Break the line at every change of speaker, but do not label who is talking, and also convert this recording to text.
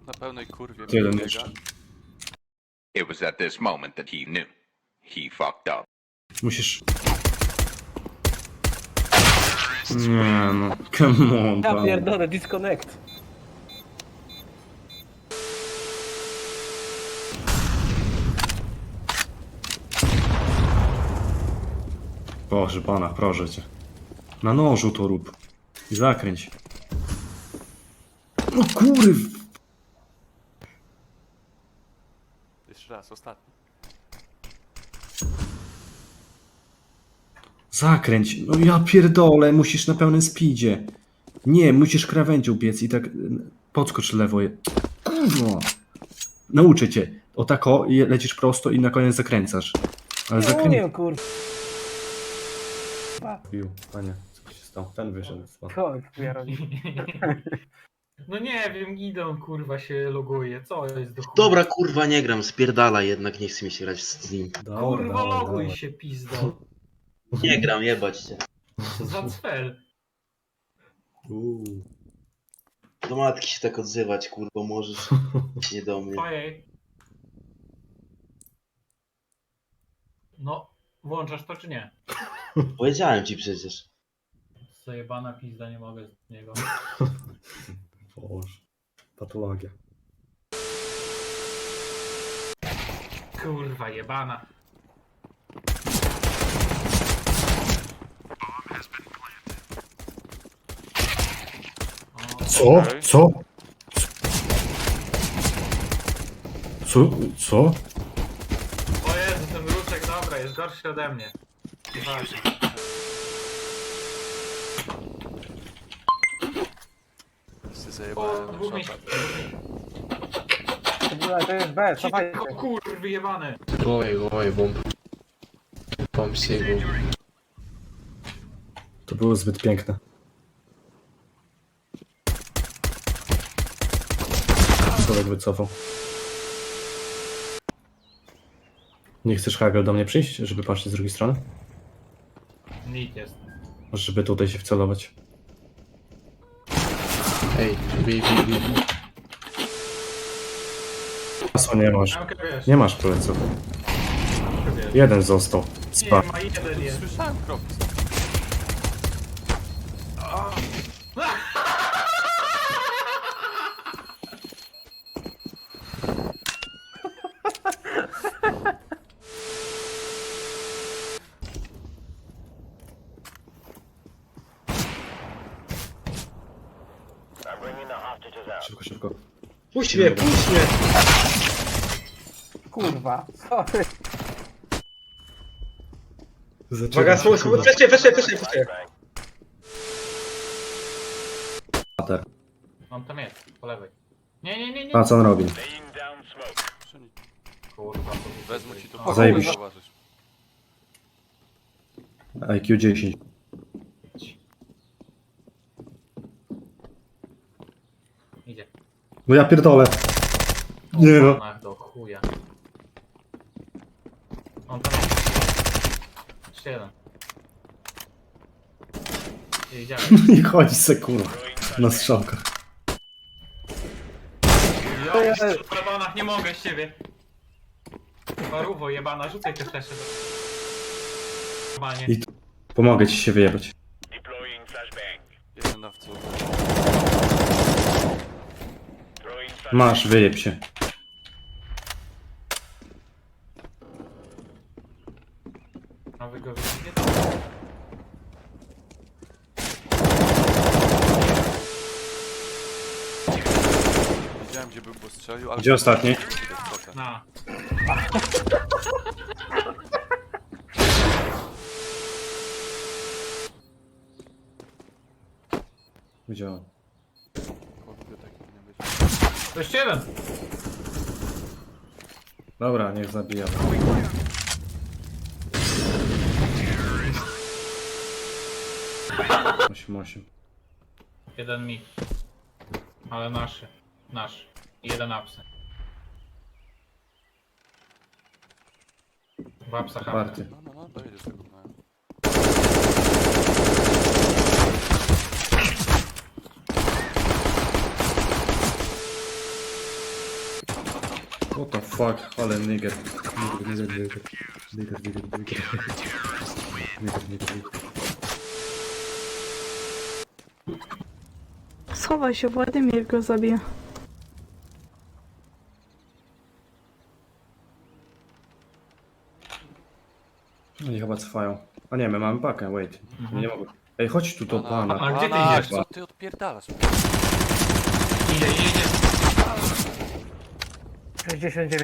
na pełnej kurwie
Tyle
biega.
jeszcze.
It was at this moment that he knew. He fucked up.
Musisz... Nie no, come on,
Ja
pan.
pierdolę, disconnect.
Boże pana, proszę cię. Na nożu to rób. I zakręć. No kurw!
Jeszcze raz, ostatni.
Zakręć. No ja pierdolę, musisz na pełnym speedzie. Nie, musisz krawędzią biec i tak podskocz lewo. Kurwa. Nauczę cię. O tako lecisz prosto i na koniec zakręcasz. Ale
Nie
zakręć...
umiem, kurwa.
Bił, panie, co się stało? Ten wyszedł.
Chodź, ja robię.
No nie wiem, idą kurwa się loguje, co jest do chuja?
Dobra, kurwa, nie gram, spierdala jednak, nie chce mi się grać z nim.
Kurwa loguj się pizdo.
Nie gram, jebać cię.
Za cfel.
Do matki się tak odzywać, kurwa, możesz. Nie do mnie.
Ojej. No, włączasz to czy nie?
Powiedziałem ci przecież.
Zajebana pizda, nie mogę z niego.
Boże, patologia.
Kurwa jebana. O,
Co?
Okej.
Co? Co? Co?
o Jezu, ten ruszek, dobra, jest gorszy ode mnie. Uważaj.
Wszyscy
O,
zajebałem
dwóch
na
miejsc.
szopę.
To jest B, cofajcie.
O kurwy jebany.
Ой, бомб. Бомб всей бомб.
To było zbyt piękne. Człowiek wycofał. Nie chcesz, Hagel, do mnie przyjść, żeby patrzeć z drugiej strony?
Nikt jest.
Może żeby tutaj się wcelować.
Эй, бей.
Pasu nie masz.
Ramkę wiesz.
Nie masz pleców.
Ramkę wiesz.
Jeden został. Spa.
Nie ma, jeden jest.
Słyszałem kroki.
Szybko, szybko.
Puść mnie, puść mnie!
Kurwa, sorry.
Uwaga, flesze.
On tam jest, po lewej. Nie.
A co on robi?
Kurwa, to
Wezmę ci to
O,
po
zajebiście.
zauważysz.
IQ 10.
idzie.
No ja pierdolę. Nie no.
Ach, do chuja. On tam jest. Jeszcze jeden. Nie widziałem.
I chodzi se kurwa. Na strzałkach.
Ja w parabanach nie mogę z ciebie. Paruwo jebana, rzucaj te flesze do... Normalnie.
I- Pomogę ci się wyjebać.
Jeden na wcu.
Masz, wyjeb się.
A wy go widzicie?
Wiedziałem gdzie był, bo strzelił, ale...
Gdzie ostatni?
Na.
Gdzie on?
Kurde, taki powinien być.
To jeszcze jeden.
Dobra, niech zabija. 8-8.
Jeden mi. Ale naszy. Nasz. I jeden absent. W apsach
Party.
No, dojedziesz tego. No.
What the fuck, ale nigger. Nigger.
Schowaj się, Władimir go zabije.
Oni chyba cofają. A nie, my mamy pakę, wait. Nie mogę. Ej, chodź tu do pana.
A gdzie ty
Pana,
idziesz?
co ty odpierdalasz?
Idzie.
69.